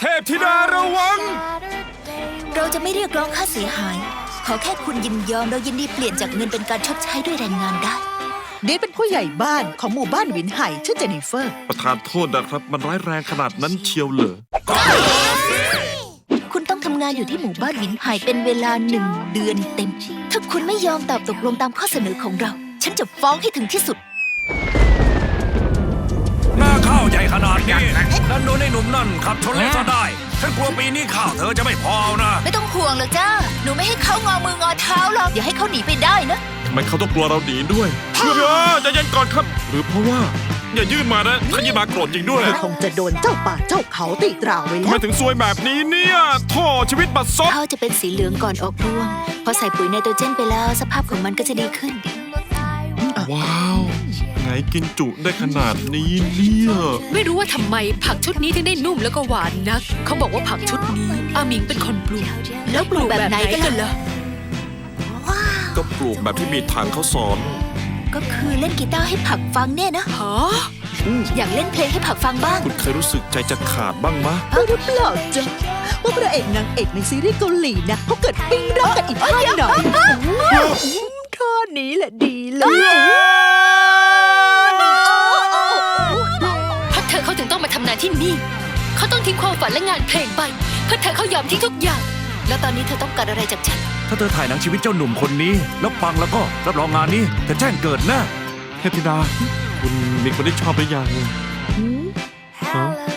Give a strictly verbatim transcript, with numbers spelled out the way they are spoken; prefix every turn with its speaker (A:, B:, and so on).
A: เทพธิดาระวัง
B: เราจะไม่เรียกร้องค่าเสียหายขอแค่คุณยินยอมเรายินดีเปลี่ยนจากเงินเป็นการชดใช้ด้วยแรงงานได้
C: เดทเป็นผู้ใหญ่บ้านของหมู่บ้านวินไห่ชื่อเจนนิเฟอร์
A: ประธานโทษนะครับมันร้ายแรงขนาดนั้นเชียวเหรอ
B: คุณต้องทำงานอยู่ที่หมู่บ้านวินไห่เป็นเวลาหนึ่งเดือนเต็มถ้าคุณไม่ยอมตอบตกลงตามข้อเสนอของเราฉันจะฟ้องให้ถึงที่สุด
D: หน้าข้าวใหญ่ขนาดนี้นั่นโดนไอ้หนุ่มนั่นขับชนเลยซะได้ฉันกลัวปีนี้ข้าวเธอจะไม่พอนะ
B: ไม่ต้องห่วงหรอกจ้าหนูไม่ให้เขางอมืองอเท้าหรอกอย่าให้เขาหนีไปได้นะ
A: ทำไมเขาต้องกลัวเราหนีด้วยเฮ้ยใจเย็นก่อนครับหรือเพราะว่าอย่ายื่นมานะถ้ายื่นมาโกรธจริงด้วย
C: เธอคงจะโดนเจ้าป่าเจ้าเขาตีตราไว้แล้ว
A: ทำไมถึงซวยแบบนี้เนี่ยโท่ชีวิตบัดซบ
B: ข้าวจะเป็นสีเหลืองก่อนออกรวงพอใส่ปุ๋ยไนโตรเจนไปแล้วสภาพของมันก็จะดีขึ้น
A: ว้าวไงกินจุได้ขนาดนี้เนี่ย
E: ไม่รู้ว่าทำไมผักชุดนี้ถึงได้นุ่มแล้วก็หวานนักเขาบอกว่าผักชุดนี้อาหมิงเป็นคนปลูก
B: แล้วปลูกแบบไหนกันล่ะ
A: ก็ปลูกแบบที่มีทางเขาสอน
B: ก็คือเล่นกีตาร์ให้ผักฟังเนี่ยนะ
E: ฮะ
B: อยากเล่นเพลงให้ผักฟังบ้าง
A: คุณเคยรู้สึกใจจะขาดบ้างมะ
C: หรือเปล่าจ๊ะว่าพระเอกนางเอกในซีรีส์เกาหลีนะเขาเกิดปิ้งรักกันอีกท่าหน่อยท่านี้แหละดีเลย
E: เพราะเธอเขาถึงต้องมาทำงานที่นี่เขาต้องทิ้งความฝันและงานเพลงไปเพื่อเธอเขายอมทิ้งทุกอย่าง
B: แล้วตอนนี้เธอต้องการอะไรจากฉัน
D: ถ้าเธอถ่ายหนังชีวิตเจ้าหนุ่มคนนี้แล้วปังแล้วก็รับรองงานนี้เธอแจ้งเกิดแน่
A: เทพธิดาคุณมีคนที่ชอบหรือยังฮะ